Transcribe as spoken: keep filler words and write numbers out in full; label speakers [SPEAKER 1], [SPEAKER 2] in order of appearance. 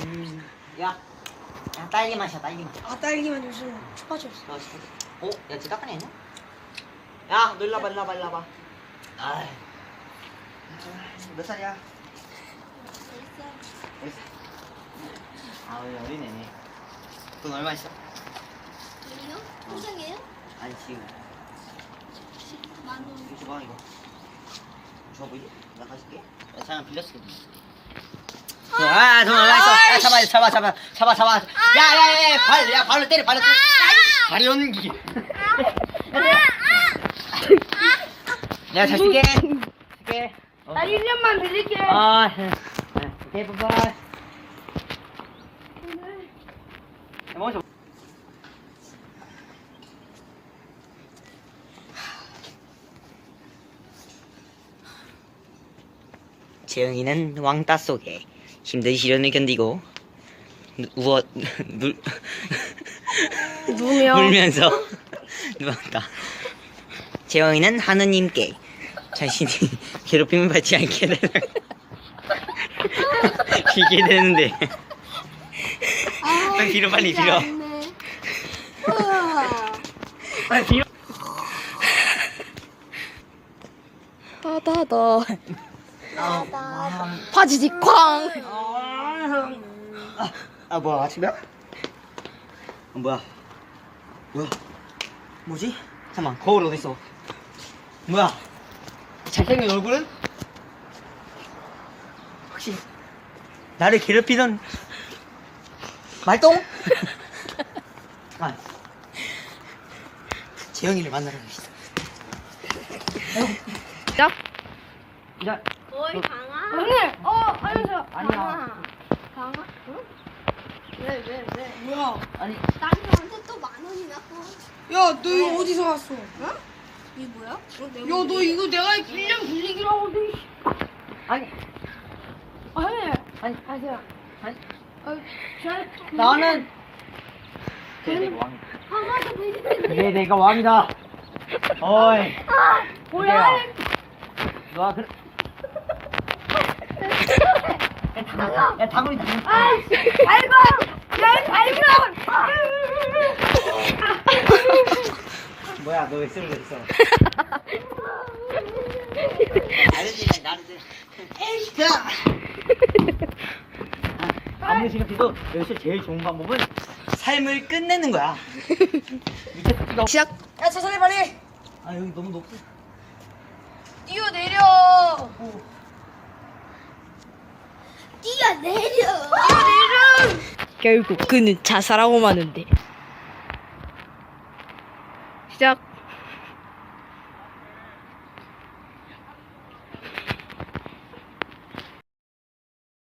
[SPEAKER 1] 음, 야, 야 딸기 맛이야 딸기 맛.
[SPEAKER 2] 아 딸기만 요즘 추파춥스.
[SPEAKER 1] 어, 진짜. 어, 야, 진짜 닦아내 있냐? 야, 너 일로 와봐, 일로 와봐, 일로 와봐. 아이. 몇 살이야? 몇 살? 아, 우리 어린애네. 돈 얼마 있어?
[SPEAKER 3] 돈이요? 통장이에요?
[SPEAKER 1] 아니, 지금.
[SPEAKER 3] 만 원.
[SPEAKER 1] 이거 줘봐, 이거. 줘봐, 보이지? 나 가질게. 야, 잠깐 빌렸어. 아, 돈 얼마 있어? 야, 잡아, 잡아, 잡아, 잡아, 잡아. 야, 야, 야, 야, 발, 야, 발로 때려, 발로 때려. 발 연기. 내가 잘 쓸게. 쓸게. 어.
[SPEAKER 2] 나 일 년만 빌릴게.
[SPEAKER 1] 아, 오케이, 바이바이. 멈춰. 재영이는 왕따 속에 힘든 시련을 견디고 누, 우어 눌
[SPEAKER 2] 누우며
[SPEAKER 1] 울면서 누웠다. 재영이는 하느님께 자신이 괴롭힘을 받지 않게 되는 이게 되는데 빨리 빌어 빨리 빌어 빨리 빌어.
[SPEAKER 2] 따다다
[SPEAKER 1] 아,
[SPEAKER 2] 파지지 쾅.
[SPEAKER 1] 아, 아 뭐야 아침이야? 아, 뭐야 뭐야 뭐지? 잠깐만 거울 어딨어? 뭐야 잘생긴 얼굴은? 혹시 나를 괴롭히던 말똥? 아 재영이를 만나러 갑시다.
[SPEAKER 2] 야,
[SPEAKER 1] 야
[SPEAKER 3] 어이 강아.
[SPEAKER 2] 언니. 어, 안녕하세요.
[SPEAKER 1] 아니야.
[SPEAKER 3] 강아? 응? 왜 왜 왜?
[SPEAKER 2] 뭐야?
[SPEAKER 1] 아니
[SPEAKER 3] 나한테 또 만 원이나 또.
[SPEAKER 2] 야, 너 이거 어디서 왔어? 어?
[SPEAKER 3] 이게 뭐야? 어, 내가
[SPEAKER 2] 야, 너 이거 내가 일 년 빌리기로 하고 너.
[SPEAKER 1] 아니
[SPEAKER 2] 아니,
[SPEAKER 1] 아니
[SPEAKER 2] 아세요.
[SPEAKER 1] 아니
[SPEAKER 2] 아, 잘.
[SPEAKER 1] 나는 그래 내가 왕
[SPEAKER 3] 강아도 빌리는데.
[SPEAKER 1] 그래 내가 왕이다. 어이
[SPEAKER 2] 뭐야?
[SPEAKER 1] 너가 그래 야 다구리 다구리
[SPEAKER 2] 아이씨, 밟아! 야, 밟아!
[SPEAKER 1] 뭐야 너 왜 쓰는 거 있어? 아저씨 나를 에이 야 아무리 생각해도 여기서 제일 좋은 방법은 삶을 끝내는 거야. 밑에 토끼가
[SPEAKER 2] 시작. 야, 천천히 빨리.
[SPEAKER 1] 아 여기 너무 높아.
[SPEAKER 2] 뛰어내려.
[SPEAKER 3] 뛰어내려.
[SPEAKER 2] 뛰어내려. 결국 그는 자살하고 마는데. 시작.